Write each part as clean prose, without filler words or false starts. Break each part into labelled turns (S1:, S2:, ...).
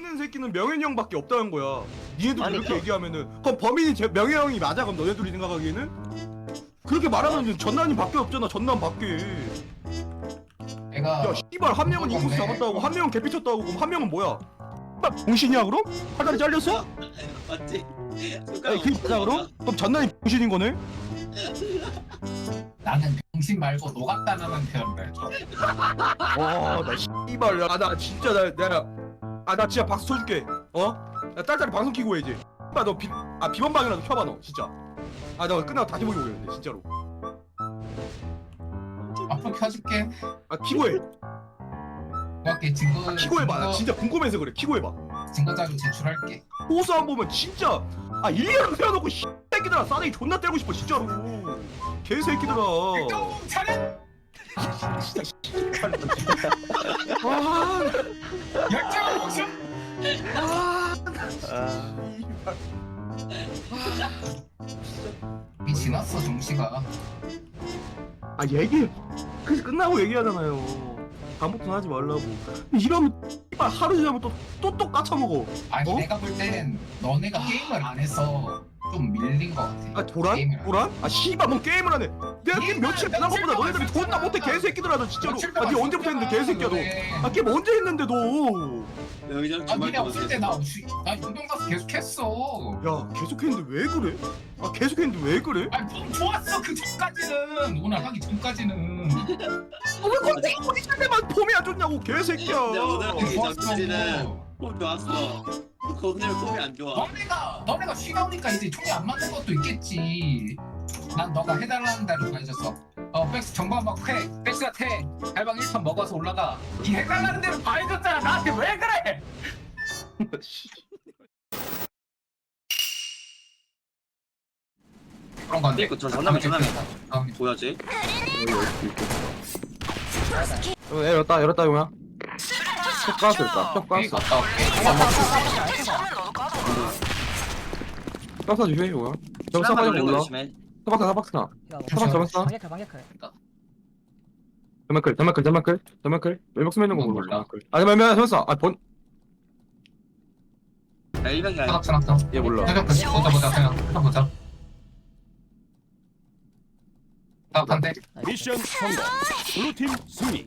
S1: 있는 새끼는 명현이 형밖에 없다는 거야. 니네들
S2: 아니,
S1: 이렇게 얘기하면은 그럼 범인이 명현이 형이 맞아? 그럼 너네들이 생각하기에는? 그렇게 말하면 전남이 밖에 없잖아. 전남 밖에.
S3: 내가
S1: 야 씨발 한 명은 인코스 잡았다고 한 명은 개피쳤다고 그럼 한 명은 뭐야? 씨발 병신이야 그럼? 팔다리 잘렸어?
S4: 맞지?
S1: 아니 그게 맞아 그럼? 그럼 전남이 병신인 거네?
S3: 나는 병신 말고 노갔다는 표현을 해줘.
S1: 와나 씨발 나 진짜 나 진짜 박수 쳐줄게. 나 딸딸이 방송 키고 해 이제. 너 비번방이라도 켜봐 너 진짜. 나 끝나고 다시 보기 보겠는데 진짜로.
S3: 앞으로 켜줄게.
S1: 키고 해.
S3: 그렇게 증거
S1: 키고 해봐. 나 진짜 궁금해서 그래. 키고 해봐.
S3: 증거 자료 제출할게.
S1: 호수 안 보면 진짜 일리아로 세워놓고 새끼들아 싸대기 존나 때리고 싶어 진짜로. 개새끼들아.
S3: 똥 차렷.
S1: 진짜 씨발. 아,
S3: 열정 무슨? 이 지났어 정시가.
S1: 얘기 그래서 끝나고 얘기하잖아요. 다음부터는 하지 말라고. 이러면 씨발 하루 지나면 또 까쳐먹어.
S3: 아니
S1: 어?
S3: 내가 볼 땐 너네가 게임을 안 해서 좀 밀린 것 같아.
S1: 도란?
S3: 게임을 안
S1: 도란? 씨발 뭐 게임을 하네. 내가 게임 며칠 지난 것보다 너네들이 존나 못해 개새끼들아 너 진짜로. 니 언제부터 했는데 개새끼야 너. 게임 언제 했는데도.
S4: 여기저기
S3: 아 니네
S4: 주말
S3: 없을 때나 운동 가서 계속 했어.
S1: 야 계속했는데 왜 그래? 계속했는데 왜 그래?
S3: 아니 좀 좋았어 그 전까지는. 오늘 하기 전까지는.
S1: 왜 갑자기 어디 때만 폼이 안 좋냐고 개새끼야.
S4: 내가 오늘 하기
S3: 좋았어.
S4: 전까지는 폼 좋았어. 오늘 폼이 안 좋아.
S3: 너네가 쉬다 오니까 이제 총이 안 맞는 것도 있겠지. 난 너가 해달라는 대로 다 해줬어. 백스 정방 막 해. 백스가 태. 달방 1판 먹어서 올라가. 이 해달라는 대로 다 해줬잖아. 나한테 왜 그래? 그런 건데.
S4: 저 전남이 보여지?
S1: 열었다 용야. 쪽 가스 있다. 쪽 가스.
S3: 갔다 올게.
S1: 가스 주해 용야. 저거 싸가지 몰라.
S4: 조심해.
S1: 사박스나. 사박 잡았어.
S5: 방역할.
S1: 점막클. 왼쪽 스매는 거 몰라.
S3: 몰라.
S1: 아니면 잡았어.
S4: 야 100이 아니야.
S3: 차놨어.
S1: 얘 몰라.
S3: 보자 그냥 보자. 반대.
S6: 미션 성공. 블루팀 승리.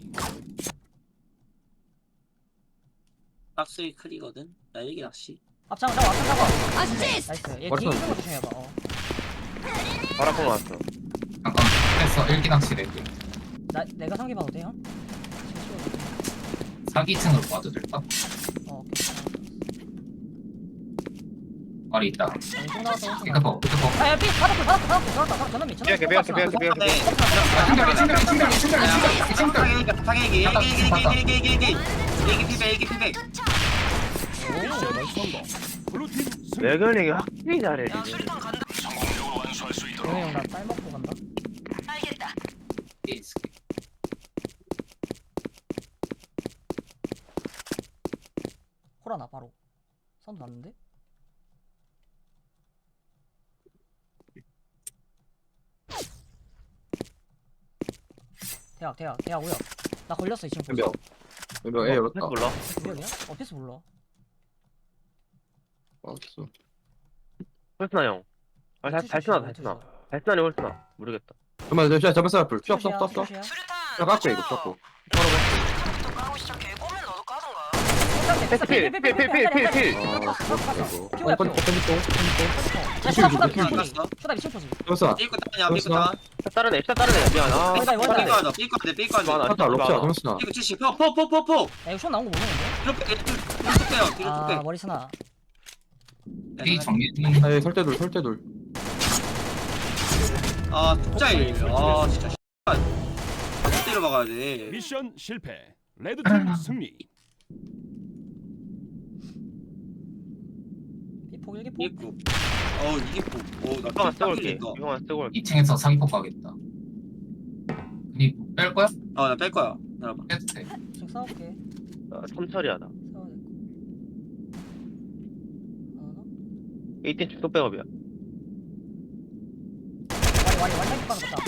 S4: 박스의 클이거든. 나 일기 낚시.
S5: 앞장 잡아.
S7: 아시스트.
S5: 나이스. 얘
S1: 머리
S5: 뒤에
S1: 쳤네.
S5: 있는 거 조심해봐.
S2: 바라보고 왔어.
S3: 잠깐 됐어. 일기 낚시래.
S5: 내가 상기 봐도 돼요?
S3: 사기층으로 봐도 될까?
S5: 오케이.
S3: 말이 있다.
S5: 왼쪽 나왔어.
S3: 이거 봐.
S5: 야, 삐 바닥 전원미.
S2: 비약해.
S4: 상액이 일기 피백.
S6: 미션 성공. 블루팀 승리.
S2: 레건이 확실히 잘해 지금.
S5: 영희 형나쌀 먹고 간다. 호라나 바로. 선도 났는데? 대학 오야. 나 걸렸어 지금.
S1: 왼쪽 애 열었다.
S2: 몰라.
S5: 구역이야? 패스 몰라.
S1: 알았어.
S2: 홀스나 형. 달스나. 달스나니 홀스나. 모르겠다.
S1: 잠깐만 잡았어 앞을. 쫙
S5: 슛이야.
S1: 깎고 이거 깎고.
S2: 필.
S5: 슈다 미친 포지.
S1: 잡았어.
S4: 삐고 따냐.
S2: 다른 애 미안. 아.
S4: 삐고
S1: 탔다 럽시야 잡았어.
S4: 삐고 70. 포.
S5: 야 이거 슛 나온 거 모르는데?
S4: 뒤로 빼요. 뒤로 빼.
S5: 머리 스나.
S3: 이 정리.
S1: 설대돌.
S4: 독자일. 진짜 때려 박아야 돼.
S6: 미션 실패. 레드팀 승리.
S5: 비폭 일기폭.
S4: 이기고. 이기고. 나
S2: 이거만 쓰고 올게.
S4: 삐
S2: 이거만 쓰고 올게.
S3: 2층에서 사기폭 가겠다. 니 뺄 거야?
S4: 나 뺄 거야. 나봐.
S3: 빼도 돼.
S5: 지금 싸울게.
S2: 삼철이하다.
S5: 싸워야 될 거. 하나.
S2: 18 축소 백업이야.
S5: 와리 사기 빠는 거다.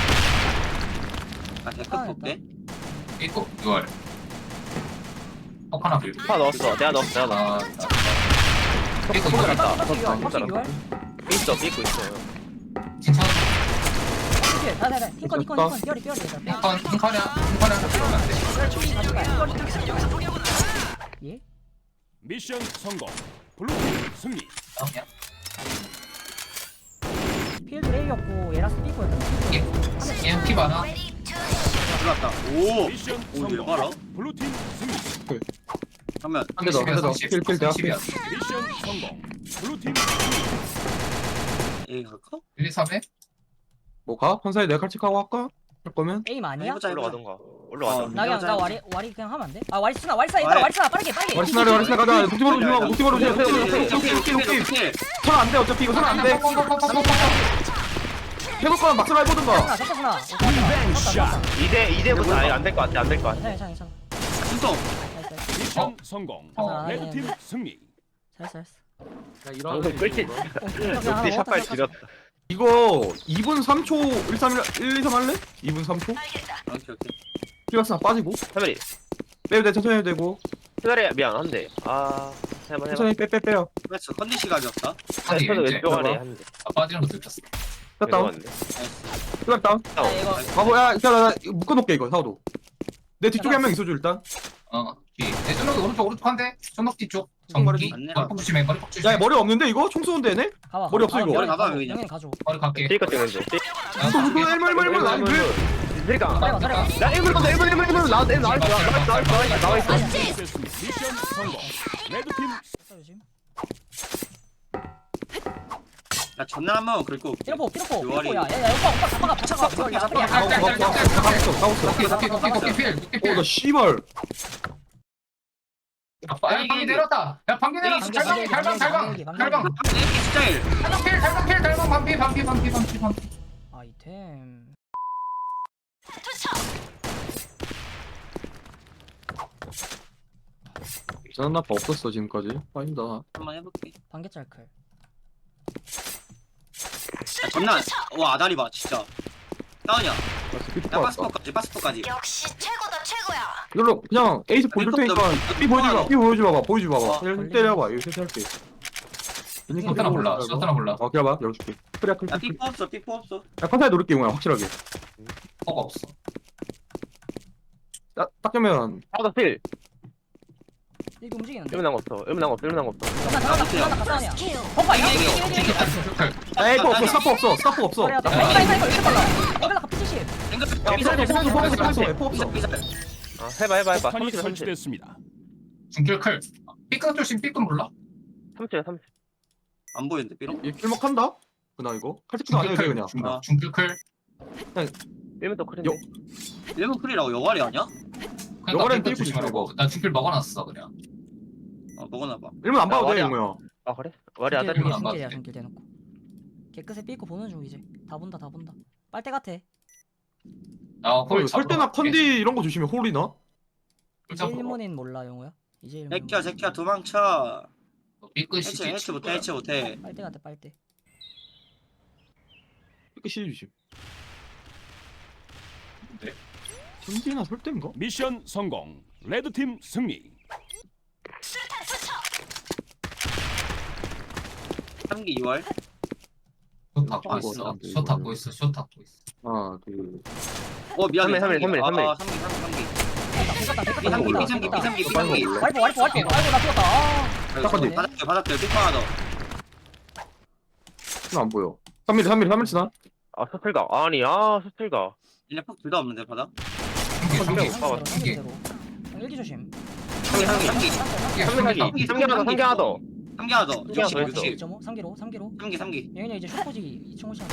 S4: 데크 볼게.
S3: 이거 6월. 폭 하나 불.
S2: 파 넣었어. 내가 넣었어.
S3: 아,
S2: 삐꾸 잘했다.
S5: 확실히 유알, 확실히 유알.
S2: 삐있어. 삐꾸 있어.
S3: 괜찮아.
S5: 네, 네. 핑컨, 뼈리.
S3: 핑커냐 들어가면 안 돼.
S5: 예?
S6: 미션 성공. 블루팀 승리.
S3: 그냥
S5: 필드 레이였고 에라스 삐고였다.
S3: 얘는 피 많아.
S4: 들어왔다. 오.
S6: 미션
S4: 오,
S6: 성공.
S4: 얘 봐라.
S6: 블루팀 승리.
S4: 그러면
S1: 한 대 더, 한 대 더. 필 대학.
S3: 30이야.
S6: 미션 성공. 블루팀 승리.
S4: A 갈까?
S3: 1, 2, 3에?
S1: 뭐 가? 판사에 내가 칼칙하고 할까? 할 거면?
S5: 에임 아니야?
S4: 해보자, 해보자.
S2: 올라가던가. 올라가자.
S5: 나 그냥 나 와리 그냥 하면 안 돼? 아 와리 쓰나 얘들아
S4: 와리.
S5: 와리 쓰나 빠르게.
S1: 와리스나래 가자. 녹티바로 조심하고 녹티바로
S4: 오케이,
S1: 조심하고. 선안 돼. 어차피 이거 선안 돼. 해볼 거면 막상 해보든가.
S5: 잡혔구나.
S6: 샷.
S2: 이제부터 아예 안 될 것 같아. 안 될 것 같아.
S5: 괜찮아.
S4: 순성.
S5: 나이스.
S6: 미션 성공.
S5: 어.
S6: 레드팀 승리.
S5: 잘했어.
S2: 방금 끌지. 녹디 샷발 지렸다.
S1: 이거 2분 3초 1, 3, 1, 2, 3 할래? 2분 3초?
S4: 오케이.
S1: 피박스나 빠지고
S2: 태별이.
S1: 빼도 돼 천천히 해도 되고
S2: 태별이 미안한데. 아. 해봐.
S1: 천천히 빼요
S4: 그렇죠. 컨디시 가졌다.
S3: 아니,
S2: 태별이
S3: 이제
S2: 왼쪽 아래 한대.
S3: 빠지는 거 들켰어.
S1: 뺐다운 피박 다운
S5: 아, 이거
S1: 바보 야 나 이거 묶어놓을게 이거 사오도 내 뒤쪽에 한 명 있어줘 일단
S3: 뒤. 내 전nok 오른쪽 한 대. 전nok 뒤쪽.
S1: 말해줘.
S3: 정기. 머리 조심해. 머리 조심해.
S1: 야 머리 없는데 이거? 총 쏘는데 얘네?
S5: 가봐.
S1: 머리 없어, 이거.
S4: 머리 가봐, 그냥.
S5: 영현 가져.
S3: 머리 갈게.
S2: 띠까 찍는데.
S1: 이거 일물 나이
S2: 그러니까.
S5: 따라가.
S2: 나 1분 나와 있어.
S6: 됐습니다. 미션 성공. 레드팀
S5: 조심.
S4: 야, 전날 한번 긁고.
S5: 피로포.
S4: 요아리.
S5: 야 오빠 잡아가.
S3: 아, 도끼 필.
S1: 어나 씨발
S3: 야, 방귀 내렸다. 야, 방귀 내렸어. 달방.
S4: A 스타일.
S3: 달방.
S5: 아이템.
S1: 이상한 나빠 없었어 지금까지 아닙니다
S4: 한번 해볼게.
S5: 반개짤클.
S4: 야, 전날. 와, 아다리 봐, 진짜. 다운이야.
S1: 삐폭
S4: 야,
S1: 왔다
S4: 바스포까지.
S7: 역시 최고다 최고야.
S1: 이걸로 그냥 에이스 보여줄 테니까 삐 보여줘 봐봐 힐 때려봐 이거 세팅할게
S3: 셔터나 몰라.
S1: 어 기다려봐 열어줄게 크리아 클
S4: 야, 삐뽀 없어.
S1: 야 컨사에 노릴게 용야 확실하게
S3: 뭐가 없어.
S1: 딱 되면
S2: 하다 필.
S5: 이렇게 움직이는데.
S2: 1분 남았어. 1분 남았어.
S5: 나 가사냐.
S7: 킬.
S5: 오빠 이거.
S1: 에이 그거 없어 스카프 없어
S5: 이거 이렇게 빨라. 이거 P70.
S1: 포 없어
S2: 아, 해봐.
S6: 폭탄이
S2: 30.
S6: 설치됐습니다.
S3: 중길 클. 삐끗 조심. 삐끗 몰라.
S2: 30.
S4: 안 보이는데, 삐롱?
S1: 얘 킬먹한다? 그나 이거 칼집도 안 해도 돼 그냥
S3: 중길 클.
S2: 1분 더 크린데.
S4: 1분 클이라고 여갈이 아니야?
S1: 요거는
S3: 삐끗
S1: 삐끗
S3: 조심하라고. 나 중길 먹어놨어 그냥.
S4: 먹어놔봐.
S1: 일면 안 봐도 돼
S2: 와리야.
S1: 용우야
S2: 아, 그래? 와리 아다리.
S3: 중길.
S5: 중길이야 중길 대놓고. 개끝에 삐고 보는 중 이제. 다 본다. 빨대 같아.
S1: 설대나 컨디 이런 거 조심해 홀이나?
S5: 이제 일본인 몰라 영호야. 이제 일본.
S4: 새끼야, 도망쳐.
S3: 삐끗이
S4: 해치 못해.
S5: 빨대 같아 빨대.
S1: 이렇게 시리 조심
S3: 네.
S1: 컨디나 설대인가?
S6: 미션 성공. 레드팀 승리.
S4: 3기 2월.
S3: 숏 닫고 있어. 숏 닫고 있어.
S1: 하나 둘
S4: 미안해.
S2: 3일.
S4: 3기.
S5: 와이프. 아이고 나 죽었다.
S1: 딱 컨디
S4: 받았대. 삐퍼 하나 더.
S1: 안 보여 3mm 지나?
S2: 아, 스틸가. 스틸가.
S4: 얘네 폭둘다 없는데, 받아?
S5: 일기 조심.
S4: 3기.
S2: 3개 하나 더.
S4: 3기 하나 더.
S2: 3개 하나 더 있어.
S5: 3기로.
S4: 3기.
S5: 영현이 이제 슈퍼지 2.5차.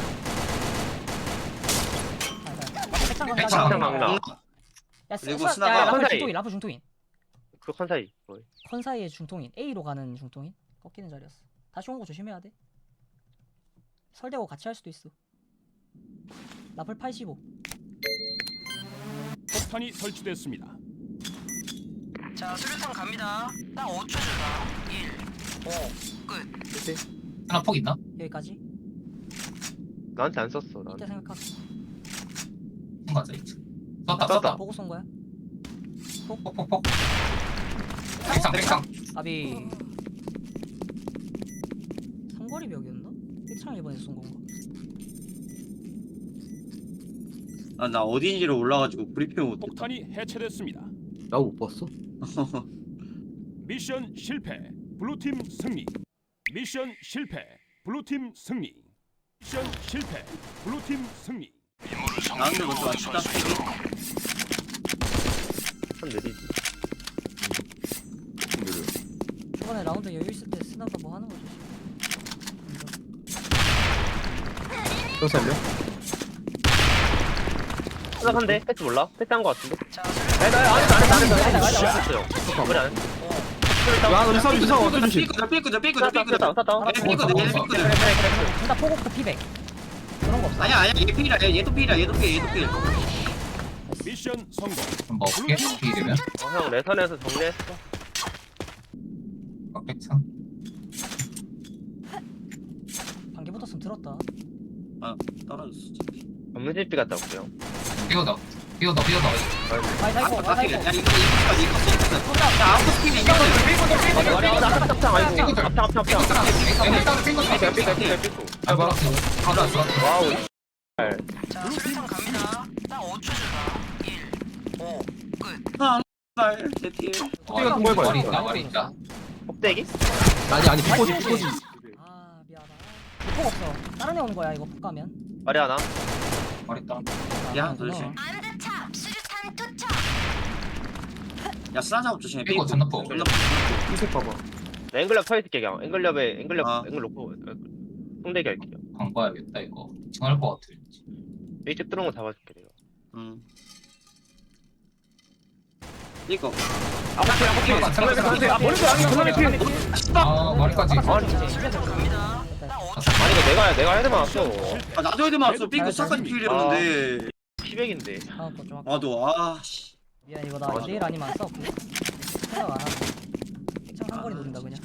S4: 백창.
S2: 막나.
S4: 그리고 스나가
S2: 컨사이.
S5: 라프 중통인.
S2: 그 컨사이.
S5: 컨사이의 중통인. A로 가는 중통인. 꺾이는 자리였어. 다시 온 거 조심해야 돼. 설대고 같이 할 수도 있어. 라플 85.
S6: 폭탄이 설치됐습니다.
S7: 자 수류탄 갑니다. 딱 5초 준다. 1, 5, 끝.
S3: 하나 폭 있나?
S5: 여기까지.
S2: 나한테 안 썼어.
S5: 이때 생각하고.
S3: 맞아. 썼다.
S5: 보고 쏜 거야.
S3: 폭. 백상.
S5: 아비. 삼거리 벽이었나? 백창 이번에 쏜 건가?
S4: 나 어딘지로 올라가지고 브리핑 못했다.
S6: 폭탄이 해체됐습니다.
S1: 나 못 봤어.
S6: 미션 실패. 블루팀 승리. 미션 실패. 블루팀 승리. 미션 실패. 블루팀 승리.
S4: 나한테 먼저 맞춘다.
S2: 한 느리지.
S5: 초반에 라운드 여유 있을 때 쓰나봐 뭐 하는 거지.
S1: 또 살려?
S2: 생각한데 패스 몰라? 패스한 거 같은데?
S7: 자
S2: 아니 나 안 했어요. 그래 안 했어.
S1: 야, 너 이사 어떤 조심?
S4: 삐꾸다.
S2: 샀다.
S4: 얘 삐꾸다.
S5: 둘다 포고프 피백. 그런 거 없어.
S4: 아니야. 얘 필이야. 얘도 필.
S6: 미션 성공.
S3: 좀 먹게. 이러면.
S2: 형 레선에서 정리했어.
S3: 백상.
S5: 방귀 붙었으면 들었다.
S4: 떨어졌어.
S2: 검문실비 갔다 올게요.
S3: 삐어다.
S5: 마이 사이코
S4: 야,
S5: 마이
S4: 이거
S5: 사이코.
S4: 이거. 야, 아웃 스킬이 이거.
S2: 앞창 아이고. 앞창. 와우.
S7: 자 수류탄 갑니다. 딱 5초 주다. 1 5 끝.
S4: 날 대필.
S1: 삐가 통보해봐요.
S3: 머리 있다.
S2: 껍데기?
S1: 아니 피코지.
S5: 아 미안하다. 폭 없어. 다른 애 오는 거야 이거 폭 가면.
S2: 말이 하나?
S3: 머리 있다.
S4: 야, 도대체.
S7: 안드탑 수류탄 투척.
S4: 야, 스나 작업 조심해.
S3: 삐고 전납포.
S1: 이색 봐봐.
S2: 나 앵글럽 서 있을게 그냥. 앵글
S4: 아.
S2: 놓고 통대기 할게요.
S3: 방 봐야겠다 이거. 징할 것 같아.
S2: 이쪽 뚫은 거 잡아줄게 내가.
S4: 이거.
S3: 아 머리까지.
S7: 자 수류탄 갑니다. 딱 5초.
S2: 아니 이거 내가 헤드 맞았어.
S4: 나도 헤드 맞았어. 삐꾸 사까지 필이었는데.
S2: 피백인데.
S5: 다음 거좀 할게.
S4: 나도 씨.
S5: 미안 이거 나 내일 아니면 안 싸울게. 생각 안 하고. 백창 한 거리 노린다 그냥.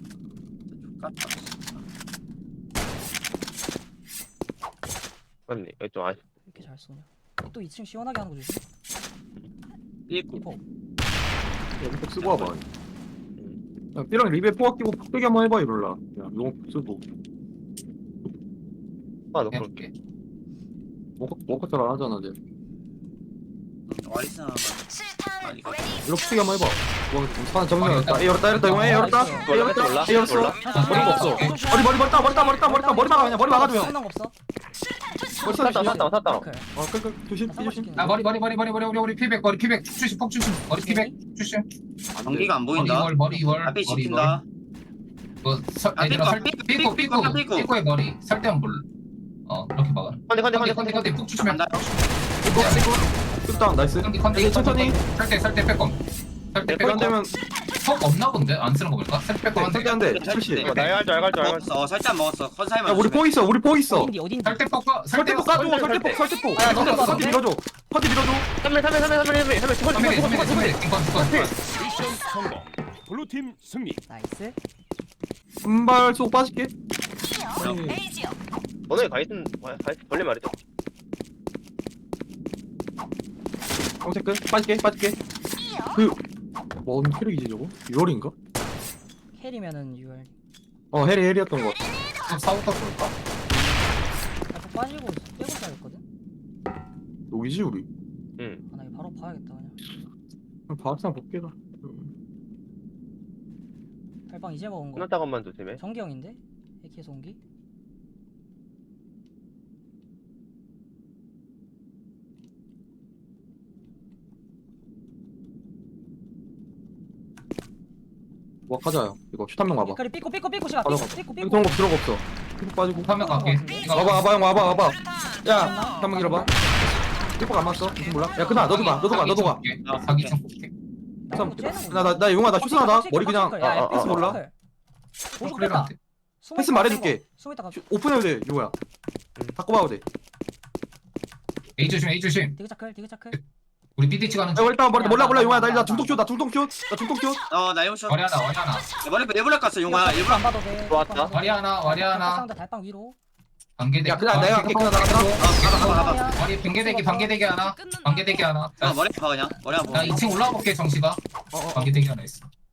S2: 맞네. 이거 좀 아쉽.
S5: 왜 이렇게 잘 쏘냐. 또 2층 시원하게 하는 거 조심.
S4: 삐꾸.
S5: 이포.
S1: 이거 쓰고 와봐. 야, 삐랑 리베 포악 끼고 폭대기 한번 해봐 이럴라. 야, 이거 쓰고.
S2: 아, 너 그럴게.
S3: 해볼게.
S1: 워커 잘안 하잖아, 쟤.
S4: 와이스나.
S7: 수류탄
S4: 아니, 이거.
S7: 레디.
S1: 이거 폭대기 한번 해봐. 와, 사람 정면 열었다. A 열었다. 이거 A 열었다. A 열었다.
S2: 몰라?
S1: A 열었어.
S2: 몰라?
S1: 머리가 없어. 머리 막아 그냥 머리 막아주면.
S5: 수능 없어.
S1: 머리
S2: 샀다.
S1: 조심.
S3: 아 머리 피백 축주심 폭주심 머리 피백 주심.
S4: 전기가 안 보인다.
S3: 머리 2월
S4: 앞에 지킨다.
S3: 삐꼬의 머리 설대한 볼. 이렇게 막아. 컨디 폭 주시면
S4: 간다.
S1: 끝다. 나이스.
S3: 컨디
S1: 천천히.
S3: 설대 빼꼼. 설대
S1: 백안
S3: 빼꼼.
S1: 되면
S3: 폭 없나 본데 안 쓰는 거 볼까? 설대 빼꼼.
S1: 설대 한 대. 70.
S2: 이거 나 알죠.
S4: 먹었어. 살짝 먹었어. 컨사이만.
S1: 야, 우리 포 있어.
S5: 어딘지.
S3: 설대 폭
S1: 설대포 까줘. 설대포.
S5: 아, 너도 봐,
S1: 컨디 밀어줘. 컨디 밀어줘.
S3: 3mm
S6: 미션 성공. 블루팀 승리.
S5: 나이스.
S1: 한발 쏘고 빠질게.
S7: 에이지요.
S2: 너네 가이슨 벌레 말이죠.
S1: 검색 끝. 빠질게. 뭔 캐릭이지 저거? 6월인가?
S5: 캐리면은 6월.
S1: 해리였던 것 같아.
S3: 사우터 볼까?
S5: 또 빠지고 빼고 짜였거든.
S1: 여기지 우리.
S2: 응.
S5: 아, 나 이거 바로 봐야겠다 그냥.
S1: 바악상 볼게다.
S5: 달방 이제 먹은 거.
S2: 끝났다 것만 조심해.
S5: 정경인데? AK에서 온기?
S1: 뭐 하자요. 이거 슛 한 명 와봐.
S5: 삐꼬리 삐꼬 시간
S1: 바로
S5: 삐꼬
S1: 이거 거 들어가 없어. 삐고 빠지고.
S3: 화면 갈게.
S1: 와봐 형 와봐. 야, 한번 길어봐. 삐뽀가 안 맞어. 무슨 몰라? 야, 그나 너도 가.
S3: 사기 좀 볼게.
S1: 나 용아 나 슛 하나. 머리 그냥 패스 몰라.
S5: 오십 뺐다.
S1: 패스 말해줄게.
S5: 숨 있다가
S1: 오픈해도 돼. 이거야. 바꿔봐도 돼.
S3: A 조심.
S5: 되게 차클.
S3: 우리 BD치 가는
S1: 야, 일단 몰라 용아 나 중독 슛.
S4: 나 이거 슛.
S3: 머리 하나.
S4: 머리 일부러 깠어 용아. 일부러.
S5: 안 봐도 돼.
S2: 좋았다.
S3: 머리 하나.
S5: 상대 달방 위로.
S3: 반개대기.
S1: 야, 그냥 내가 그냥
S4: 가봐.
S3: 머리 반개대기 하나. 반개대기 하나.
S4: 머리 봐 그냥. 머리 한번.
S3: 나 2층 올라가 볼게 정시가. 반개대기 하나 있어.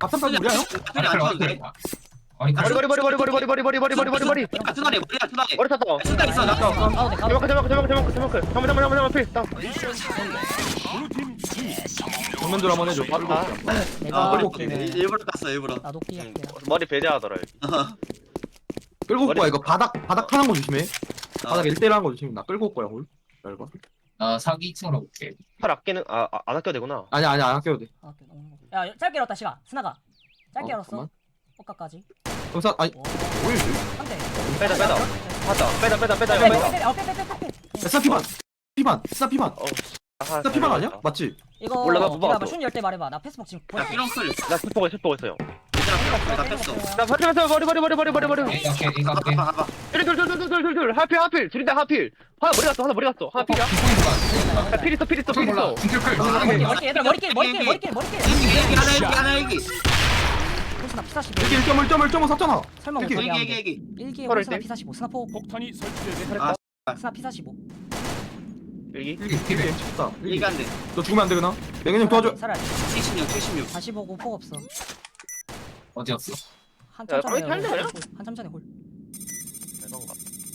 S1: 밥상까지 우리야 형?
S4: 소리 안 쳐도 돼.
S3: 어이
S2: 머리
S3: 가리
S2: 머리 머리 머리 머리 머리 머리 머리 머리 머리 머리
S4: 투나리 머리야 투나리.
S2: 머리 탔다.
S4: 수다 있어 나.
S5: 가도 돼 가도 돼.
S2: 잠깐만 필. 딱.
S6: 미션 성공. 블루팀 승리.
S1: 정면들 한번 해줘. 빠르고.
S5: 내가
S1: 끌고
S4: 일부러 땄어 일부러.
S5: 나도 끼할게.
S2: 머리 배제하더라.
S1: 끌고 올 거야 이거 바닥 타는 거 조심해.
S4: 아.
S1: 바닥 1대1 하는 거 조심해. 나 끌고 올 거야 홀. 잘 봐.
S3: 사기 2층으로 올게.
S2: 팔 아끼는 안 아껴도 되구나.
S1: 아니야 안 아껴도 돼.
S5: 아, 오케이, 너무 야 짧게 열었다 시가. 스나가. 짧게 열었어.
S1: 잠깐만.
S5: 꽃가까지.
S1: 검사 아니
S5: 오.
S1: 뭐야 이거?
S5: 한 대.
S2: 빼다. 맞다. 빼다.
S5: 빼.
S1: 스나 피반. 스나 피반. 스나 피반 아니야? 맞지?
S5: 이거
S2: 몰라, 나못
S5: 기다려봐.
S2: 봤어.
S5: 슌 열때 말해봐. 나 패스복 지금
S4: 야
S5: 보여.
S4: 삐렁클.
S2: 나 스포고 있어요.
S4: 얘들아 나 뺐어.
S2: 나 머리.
S3: 이거 할게.
S4: 봐봐.
S2: 둘. 하필. 둘인데 하필. 하나 머리 갔어. 하나 필이야. 야, 필 있어.
S3: 몰라. 중클클.
S5: 머리길 얘들아 머리길.
S4: 얘기 하나 얘기.
S5: 홀스나 P45.
S1: 여기 1.1.1.5 샀잖아.
S5: 설마
S1: 이렇게
S5: 못하게 하면 돼.
S4: 얘기.
S5: 1기에
S2: 서로
S5: 홀스나
S2: 일
S5: P45. 스나포.
S6: 폭탄이 설치되고
S5: 스나 P45.
S2: 여기.
S3: 일기 피해.
S1: 쳤다.
S4: 얘기 안 돼.
S1: 너 죽으면 안 되구나. 맹현 형 도와줘.
S5: 살아야 돼.
S4: 76.
S5: 45고 폭 없어.
S3: 어디였어?
S5: 한참 전에
S2: 빨리 살려요?
S5: 홀. 한참 전에 홀.
S2: 대단가.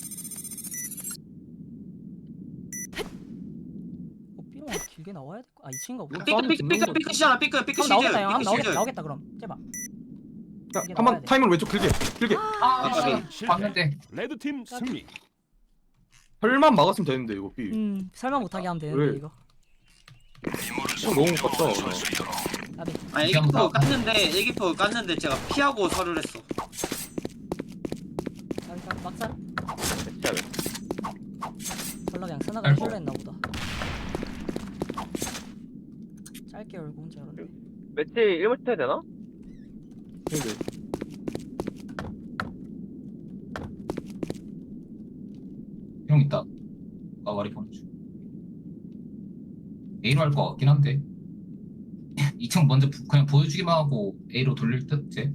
S5: 삐롱 길게 나와야 돼. 아 2층인가 보다.
S4: 삐끗이잖아 삐끗
S5: 한번 나오겠다 형. 한번 나오겠다 그럼. 제발.
S1: 야,
S5: 이게 나와야
S1: 한번
S5: 돼.
S1: 타이밍 왼쪽 길게.
S3: 봤는데.
S6: 레드팀 승리.
S1: 혈만 막았으면 되는데 이거 B.
S5: 설마 못하게 하면 되는데
S1: 그래.
S5: 이거.
S1: 너무 못 봤다.
S5: 나비.
S4: 아 애기포 깠는데 제가 피하고 서류를 했어.
S5: 나비 막살.
S2: 진짜 왜?
S5: 졸라 그냥 스나가
S3: 아이고.
S5: 킬로 했나 보다. 짧게 열고 혼자 열었네.
S2: 매치 1분 쳐야 되나?
S1: 근데
S3: 형 있다. 머리 보내줘. A로 할 거 같긴 한데. 2층 먼저 그냥 보여주기만 하고 A로 돌릴 듯 쟤.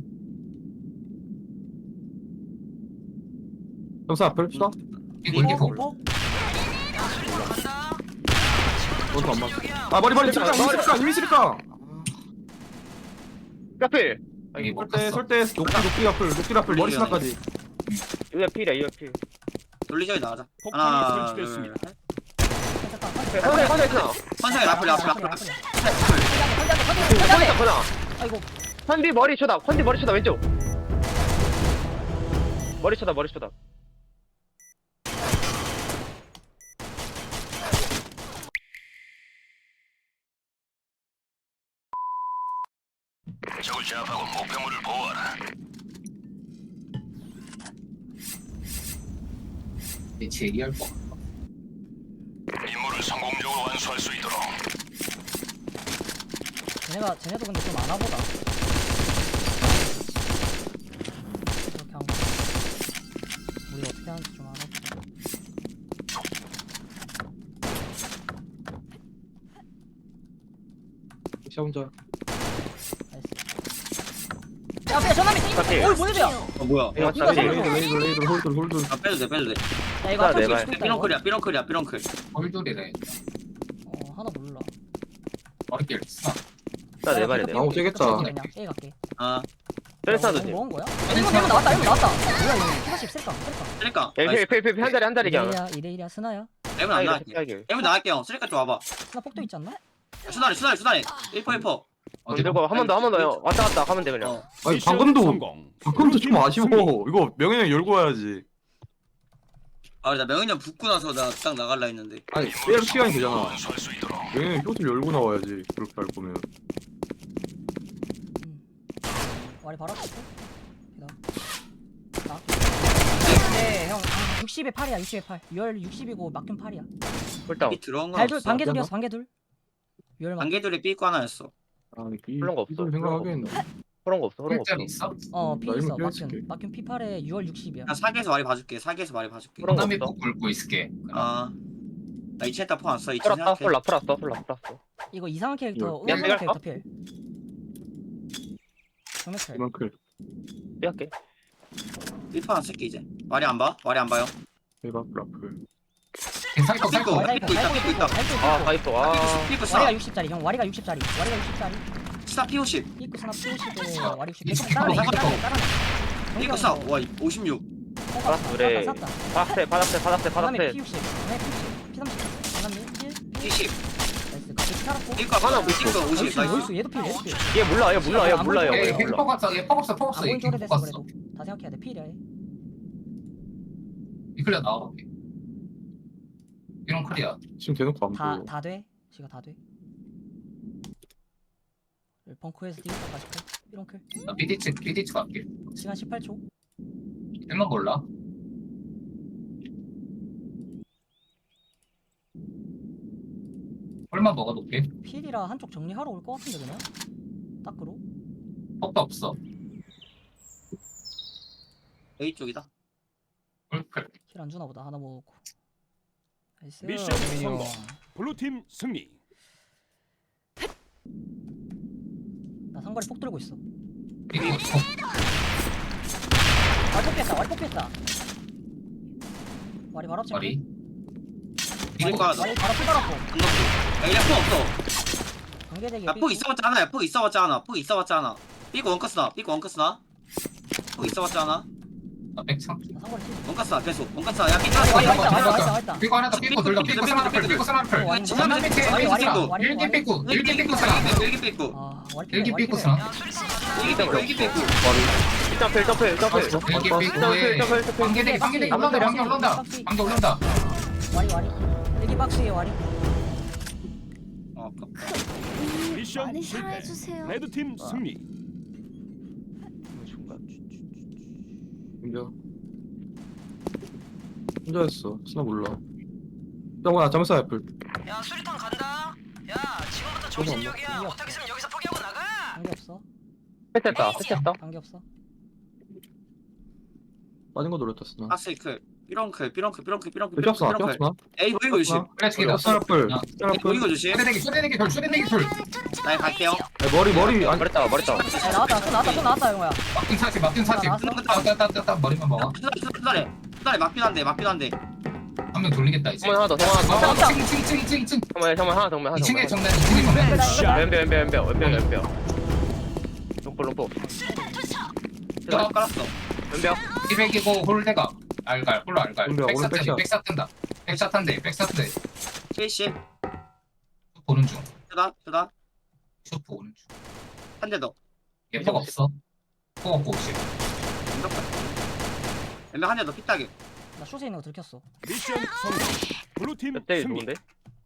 S1: 형사 앞을 쏴.
S3: 이거 올라.
S7: 간다.
S1: 너도 안 맞아. 아 머리 쓸까 이미 쓸까.
S2: 까필.
S3: 여기 못
S1: 설때
S3: 갔어.
S1: 녹디 앞을 머리 스나까지.
S2: 이거 필이야. 필.
S4: 돌리자기 나가자.
S6: 폭탄이
S4: 하나
S6: 설치됐습니다.
S2: 컨대 있어.
S4: 환상이 앞을.
S2: 컨대.
S5: 아이고.
S2: 컨디 머리 쳐다 왼쪽. 머리 쳐다.
S6: 적을 제압하고 목표물을 보호하라.
S3: 쟤 얘기할 거.
S6: 임무를 성공적으로 완수할 수 있도록.
S5: 쟤네도 근데 좀 아나보다. 이렇게 한 거. 우리 어떻게 하는지 좀 알아보자.
S1: 시 혼자.
S5: 나이스. 야, 전화미
S2: 오케이.
S5: 올 보내줘요.
S4: 뭐야?
S2: 이거
S5: 이거
S2: 짜리.
S1: 레이더 홀드.
S4: 아 빼도 돼.
S5: 야, 이거
S2: 아,
S5: 앞에
S2: 내발.
S5: 수도 있다, 이거.
S4: 삐렁클.
S3: 홀돌이래.
S5: 하나 몰라.
S3: 머리길 써.
S2: 내 말이네.
S1: 아우 세겠다.
S5: 그냥 A 갈게.
S4: 아
S2: 셀사도지.
S5: 먹은 거야? 1분 나왔다. 뭐야 이거? 40 쓸까?
S4: 쓰리까.
S2: 필 한 자리 그냥.
S5: 2대1이야 스나야?
S4: 에문 안 나갈게. 에문 나갈게요. 쓰리까 좀 와봐.
S5: 스나 폭도 있지 않나?
S4: 수다리. 1포.
S3: 어디
S2: 들고 한 번 더. 왔다 가면 돼 그냥.
S1: 아니
S6: 미션
S1: 방금도
S6: 성공.
S1: 좀 아쉬워. 이거 명현이 형 열고 와야지.
S4: 아, 나 명현이 형 붙고 나서 나 딱 나갈라 했는데.
S1: 아니 빼를 시간이 되잖아.
S6: 완수할 수 있도록.
S1: 명현이 형 효를 열고 나와야지. 그렇게 할 거면.
S5: 와리 바로 앞에 있어? 나? 네, 형 60에 8이야 60에 8 유열 60이고 막균 8이야
S2: 홀다운.
S4: 이 들어온 건
S5: 발둘
S4: 없어.
S5: 반개둘이었어 반개둘 유열 막
S4: 반개돌이 삐고 하나였어.
S1: 아
S2: 그런 거 없어.
S1: 이걸 생각하겠네.
S2: 그런 거 없어.
S3: 홀짜리 있어?
S5: P
S1: 나
S5: 있어
S1: 이거 껴줄게.
S5: 막균 P8에 유열 60이야
S4: 나 사기에서 말이 봐줄게.
S2: 그런 거
S3: 다음에
S2: 없어.
S3: 꼭 굴고 있을게.
S4: 아, 나 2층에 딱 포 왔어. 2층
S2: 풀었다.
S4: 생각해.
S2: 풀었어.
S5: 이거 이상한 캐릭터
S2: 야,
S5: 의문의
S2: 내가
S5: 캐릭터 필 정맥탈
S1: 이만큼.
S2: 삐할게.
S4: 1포 안 쓸게 이제. 말이 안 봐요?
S1: 대박 라플.
S3: 살거 살거.
S5: 와리가
S4: 삐고 있다.
S2: 아, 다 있어. 아.
S4: 삐고
S5: 와리가
S4: 써.
S5: 60짜리 형 와리가 60짜리 와리가 60짜리
S4: 스나 P50
S5: 입구 스나 P50에 와리 60
S3: 이층
S5: 따라내
S3: 바로
S5: 따라내
S4: 이거 쏴. 와 56
S2: 그래.
S5: 쌌다
S2: 바닥대
S5: 바람에
S2: 바닥대.
S5: P60 바람에 P30 P30 바람에 1
S4: P10
S5: 나이스 같이 살았고
S4: 이거 하나 못 찍어 50
S5: 나이스
S4: 나이스
S5: 나이스 얘도 필 얘도 필
S2: 얘 몰라 얘 몰라 얘 몰라
S3: 얘
S2: 얘 몰라.
S3: 핵폭 없어 얘 폭 없어 폭 없어
S5: 안
S3: 얘
S5: 보인 쪽으로
S3: 폭
S5: 됐어
S3: 없어
S5: 그래도 다 생각해야 돼 필이야 얘
S3: 이클리어 나와볼게 이런 클리어
S1: 지금 대놓고 안 보여.
S5: 다돼 지가 다돼 벙커에서 디귿까지 클 이런 클
S3: 나 BD치 갈게
S5: 시간 18초
S3: 일만 몰라 얼마 먹어놓게
S5: 필이라 한쪽 정리하러 올 것 같은데 그냥 딱으로
S3: 폭도 없어
S4: A 쪽이다
S3: 꿀클
S5: 힐 안 주나 보다 하나 먹고 나이스
S6: 미션 성공. 블루팀 승리.
S5: 나 상거리 폭 들고 있어
S3: 이거
S5: 와리 뽑겠다 와리 바로 앞집
S3: 머리
S4: 이거
S5: 와리 바로 풀 달았고
S4: 안 넣고 야폭 없어
S5: 관계대기
S4: 야폭 있어봤자 하나야 폭 있어봤자 하나 폭 있어봤자 하나 삐고 원커스나 삐고 원커스나 폭 있어봤자 하나
S3: 나 백창
S5: 나 상거리 힐
S4: 원커스나 계속 원커스나 야 삐고
S5: 왔다
S3: 삐고 하나 더 삐고 둘 더 삐고 스나플 삐고 스나플
S5: 와리
S3: 지난 밑에 삐고 일기 삐고 일기 삐고 스나
S4: 일기 삐고
S5: 아 와리
S3: 일기
S5: 필
S3: 삐고 스나
S4: 일기 삐고 일기 삐고
S2: 점프
S3: 일기 삐고에 관계대기 올라온다 관계 올라온다
S5: 와리 여기 박스에 와리
S4: 어
S6: 미션
S8: 많이
S6: 실패.
S8: 사랑해주세요.
S6: 레드팀 승리.
S1: 혼자였어. 스나 몰라. 정우야 잠깐 애플.
S7: 야 수리탄 간다. 야 지금부터 정신력이야. 못하겠으면 여기서 포기하고 나가.
S5: 관계 없어
S2: 패스했다 패스했다.
S5: 관계 없어
S1: 빠진 거 노렸다 스나.
S4: 아세이클 삐렁클
S1: 삐었어 삐었어.
S4: 에이 보이고 조심
S3: 그래 지금
S1: 스나 애플.
S3: 야.
S1: 스나 애플.
S4: 보이고 조심
S3: 쇼대대기 둘
S4: 나 갈게요
S1: 머리 아니
S2: 머리다 머리다.
S5: 야 나왔다 영호야
S3: 막힌 사지 따따따따 머리만 먹어
S4: 수달에 맞긴 한데
S3: 한 명 돌리겠다 이제
S2: 정말 하나 더 정말 하나 더.
S3: 2층
S2: 정말 하나 정말 하나.
S3: 2층에 정면 2층에 정면
S2: 왼벽. 롱포.
S4: 깔았어
S2: 왼벽.
S3: 200이고 홀대가 알갈 홀로 알갈
S1: 오늘 백샷.
S3: 백샷 뜬다 백샷 탄대
S4: 70
S3: 보는 중
S4: 쓰다
S3: 슈퍼 보는 중
S4: 한 대더
S3: 얘폭 없어 폭 없고 50
S4: 왼벽 한 대더 핏다게
S5: 나 숏에 있는 거 들켰어
S6: 미션 성공. 블루팀
S2: 몇대
S6: 승리.
S2: 좋은데?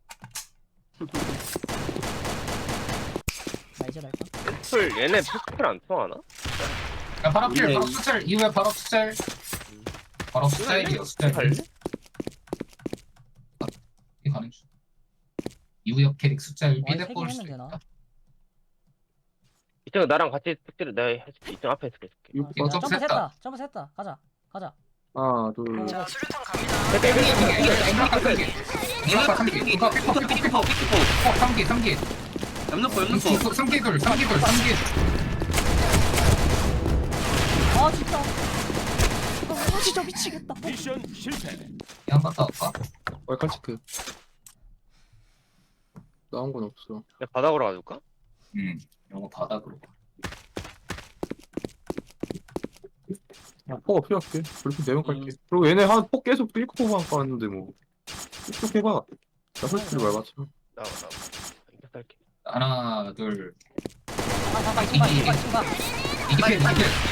S5: 나 이제 날까
S2: 풀 얘네 풀 안 통하나?
S3: 야 바로 필 바로 수철 이후에 바로 수철 수철
S2: 할래?
S3: 이 가는 중 이후에 캐릭 수철
S5: 와리
S3: 비대
S5: 세개
S3: 볼
S5: 하면
S3: 수도
S5: 되나?
S3: 있다
S2: 이쪽 나랑 같이 특질을 내가 해줄게. 이쪽 앞에 해줄게.
S3: 이거
S5: 야,
S3: 점프
S5: 점프 했다 가자
S1: 하나 둘.
S7: 자 수류탄 갑니다.
S3: 이거 3기
S4: 옆놓고
S3: 3기 둘
S5: 아 진짜 진짜 미치겠다
S6: 미션 실패.
S3: 한번 더 할까?
S1: 월칼치크. 나온 건 없어.
S2: 내가 바닥으로 가줄까?
S3: 이거 바닥으로
S1: 폭 없이 할게. 그렇게 내면 갈게. 그리고 얘네 한폭 계속 삐코만 까는데 뭐. 쭉 해봐. 나 솔직히 말봤자.
S2: 나와. 이거 할게.
S3: 하나 둘
S5: 잠깐 이거
S3: 이게 필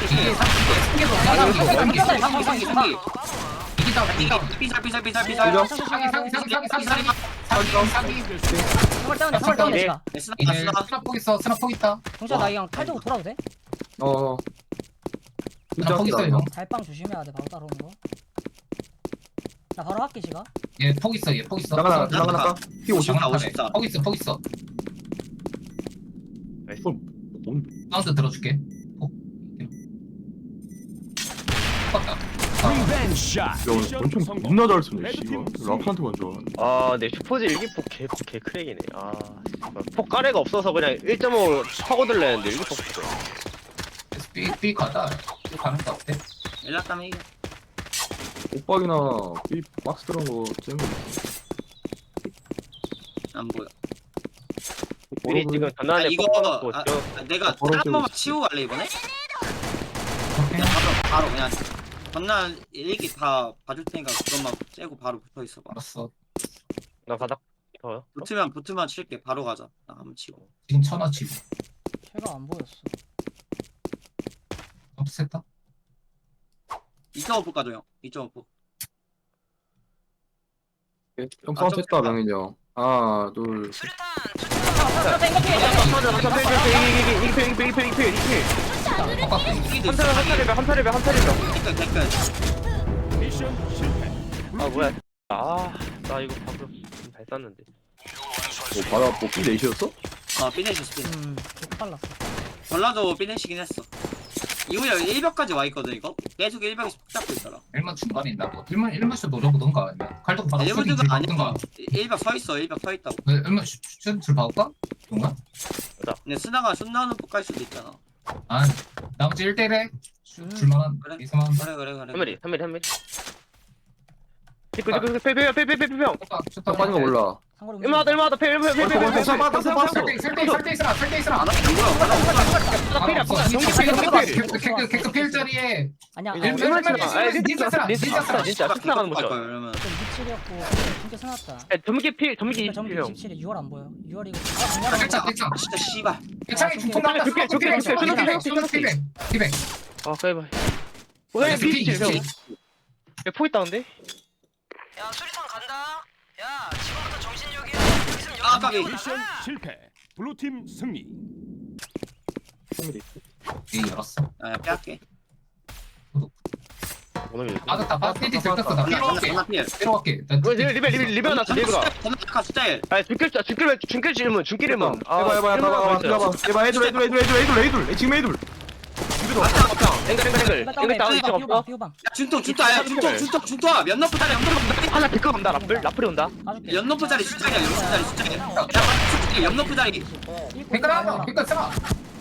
S3: 스나폭 있다
S5: 정수야 나 이거 칼 들고 돌아도 돼?
S3: 스나폭 있어 형
S5: 달빵 조심해야 돼 바로 따라오는 거 나 바로 할게 시가
S3: 얘폭 있어
S1: 나가. 피 50.
S3: 폭 있어 사운드 들어줄게 똑같다
S6: 리벤 샷.
S1: 야
S6: 미션
S1: 엄청
S6: 성공.
S1: 겁나 잘 쓰네.
S6: 레드팀
S1: 씨발.
S6: 승리.
S1: 라프한테만 좋아하네.
S2: 아, 내 슈퍼즈 일기폭 개 크랙이네. 아, 폭 가래가 없어서 그냥 1.5 파고들려는데 일기폭 없어.
S3: 삐 가다 삐 가는 거 어때?
S4: 연락하면 이겨
S1: 옷박이나 삐 박스 들어간 거 잼거
S4: 안 보여
S2: 우리 지금
S4: 아
S2: 전난에
S4: 이거
S2: 뽑아놓고
S4: 내가
S1: 버릇
S4: 한 번만
S1: 세우고
S4: 치우고 갈래 이번에?
S3: 오케이.
S4: 바로 그냥 전날 일기 다 봐줄 테니까 그것만 째고 바로 붙어 있어봐.
S3: 알았어.
S2: 나 바닥 더요?
S4: 붙으면 칠게. 바로 가자. 나 한번 치고.
S3: 지금 천하치.
S5: 해가 안 보였어.
S3: 없앴다.
S4: 2.5% 가져 형. 2.5%.
S1: 형 싸움 됐다 명인이 형. 하나 둘 셋.
S7: 수류탄
S5: 맞다 이거 피해.
S4: 댓글 댓글.
S6: 미션 실패.
S2: 아 뭐야? 나 이거 방금 잘 쐈는데.
S1: 바다 뽑기 내시였어?
S4: 피네시스 피네.
S5: 개 빨랐어.
S4: 전라도 피네시긴 했어. 이후에 1벽까지 와 있거든 이거. 계속 1벽에서 푹 잡고 있더라.
S3: 1만 중간에 있나고. 1만씩 노려보던가. 아니면 칼도 받아.
S4: 일부드가 아니야. 1벽 서 있어. 1벽 서 있다고.
S3: 1만 슛을 봐볼까? 뭔가?
S4: 근데 스나가 슛 나오는 폭갈 수도 있잖아.
S3: 아 나머지 1대1에 줄만한
S4: 그래.
S3: 이상한.
S4: 그래.
S2: 3mm. 페페페페페페페페.
S3: 슛다
S1: 빠진 거 몰라.
S5: 상거리
S2: 얼마다 페페페페페.
S3: 설대 있으라.
S4: 안 하면 뭐야?
S2: 필이야.
S3: 개급 필자리에
S5: 아니야.
S2: 진짜 스나가는 거죠.
S4: 그러면
S5: 27이었고 진짜 스나왔다.
S2: 점기 필, 점기
S5: 점기
S2: 27형.
S5: 27에 6월 안 보여. 6월 이거.
S3: 괜찮아.
S4: 진짜 씨발.
S3: 괜찮아. 중통 나왔다. 피백.
S2: 아, 까이바. 왜 P27형? 포 있다는데?
S7: 야 수류탄 간다. 야 지금부터 정신력이야.
S4: 아, 까비.
S6: 미션 실패. 블루팀 승리.
S3: 이 열었어.
S4: 아, 빼앗게.
S2: 오늘
S3: 맞았다. 피디 들켰어. 나 필요할게.
S4: 필.
S3: 필요할게.
S2: 리베 나왔어, 리베가.
S4: 전화카 스타일.
S2: 아, 중길 질문.
S1: 해봐 애들 지금 애들.
S2: 앵글 다운 있어 없어?
S5: 비호방.
S4: 야, 준토야. 준토. 몇 너프 짜리
S2: 하나 데리고 간다, 라플이 온다.
S5: 가줄게.
S4: 연 너프 짜리 숫자리야. 연 너프 짜리.
S3: 댓글 하나. 댓글 써.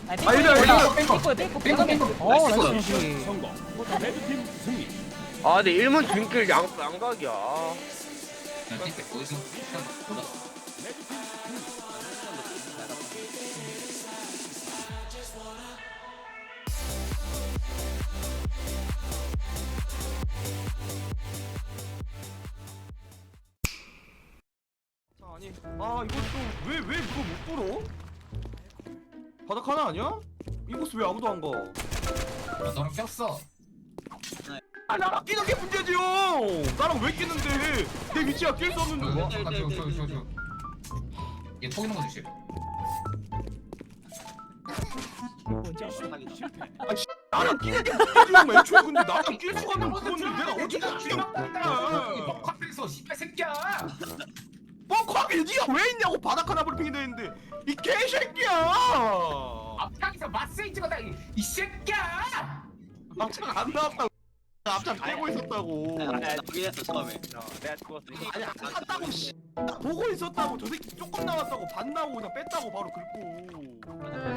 S5: 어, 나이스.
S6: 성공. 레드팀 승리.
S2: 아, 근데 일문 중길 양각이야.
S1: 아니 이것도 왜 이거 못 불어? 바닥 하나 아니야? 이 모습 왜 아무도 안 가?
S3: 너랑 꼈어.
S1: 나랑 끼는 게 문제지 형. 나랑 왜 끼는데? 내 위치가 낄 수 없는데.
S3: 얘 포기는 거 주시.
S6: 미션 실패.
S1: 나랑 끼는 게 문제지 형. 애초에 근데 나랑 낄 수가 없는 그건데 내가 어떻게 끼나?
S3: 카페에서 씨발 새끼야.
S1: 뭐 거기 니가 왜 있냐고 바닥 하나 브리핑이 되는데 이 개새끼야.
S3: 앞장에서 마스이 찍었다 이 새끼야.
S1: 앞장 안 나왔다고. 앞장 빼고 있었다고.
S4: 나 포기했어 처음에.
S2: 내가 죽었어.
S1: 아니 안 나왔다고 씨. 나 보고 있었다고. 저 새끼 조금 나왔다고 반 나오고 그냥 뺐다고 바로 긁고.